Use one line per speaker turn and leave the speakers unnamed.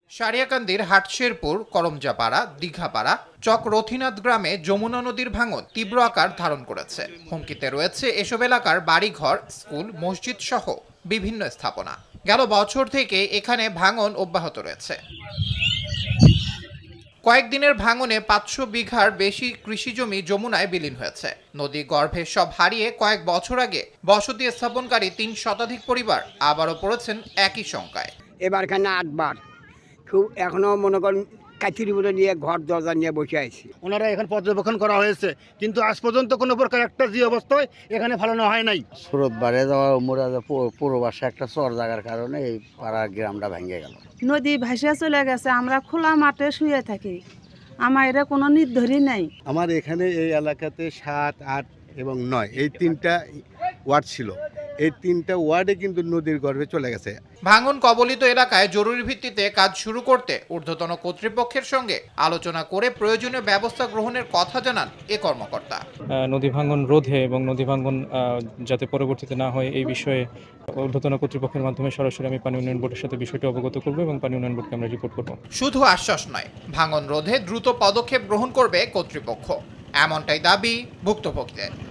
সারিয়াকান্দির হাটশেরপুর, করমজাপাড়া, দীঘাপাড়া, চক রথীনাথ গ্রামে যমুনা নদীর ভাঙন তীব্র আকার ধারণ করেছে। হুমকিতে রয়েছে এসব এলাকার বাড়িঘর, স্কুল, মসজিদ সহ বিভিন্ন স্থাপনা। গেল বছর থেকে এখানে ভাঙন অব্যাহত রয়েছে। কয়েকদিনের ভাঙনে 500 বিঘার বেশি কৃষিজমি যমুনায় বিলীন হয়েছে। নদী গর্ভে সব হারিয়ে কয়েক বছর আগে বসতি স্থাপনকারী 3 শতাধিক পরিবার আবারও পড়েছেন একই শঙ্কায়।
এবার এখানে 8 বার খুব এখনো মনে করেন কাঠির মতো নিয়ে ঘর দরজা নিয়ে বসে আছি।
ওনারা এখানে পর্যবেক্ষণ করা হয়েছে, কিন্তু আজ পর্যন্ত কোনো প্রকার একটা যে অবস্থায় এখানে ফেলানো হয় নাই।
স্রোত বাড়ে যাওয়া মোরা পূর্ববাসে একটা চর জায়গার কারণে এই পাড়ার গ্রামটা ভেঙে গেল।
নদী ভাসিয়ে চলে গেছে, আমরা খোলা মাঠে শুয়ে থাকি, আমার এটা কোনো নির্ধারই নাই।
আমার এখানে এই এলাকাতে 7, 8 এবং 9 এই 3টা ওয়ার্ড ছিল। এই 3টা ওয়ার্ডে কিন্তু নদীর গর্ভে চলে গেছে।
ভাঙন কবলিত এলাকায় জরুরি ভিত্তিতে কাজ শুরু করতে ঊর্ধ্বতন কর্তৃপক্ষের সঙ্গে আলোচনা করে প্রয়োজনীয় ব্যবস্থা গ্রহণের কথা জানান এ কর্মকর্তা।
নদী ভাঙন রোধে এবং নদী ভাঙন যাতে পরবর্তীতে না হয় এই বিষয়ে ঊর্ধ্বতন কর্তৃপক্ষের মাধ্যমে সরাসরি আমি পানি উন্নয়ন বোর্ডের সাথে বিষয়টি অবগত করব এবং পানি উন্নয়ন বোর্ডকে আমরা রিপোর্ট করব।
শুধু আশ্বাস নয়, ভাঙন রোধে দ্রুত পদক্ষেপ গ্রহণ করবে কর্তৃপক্ষ, এমনটাই দাবি ভুক্তভোগীদের।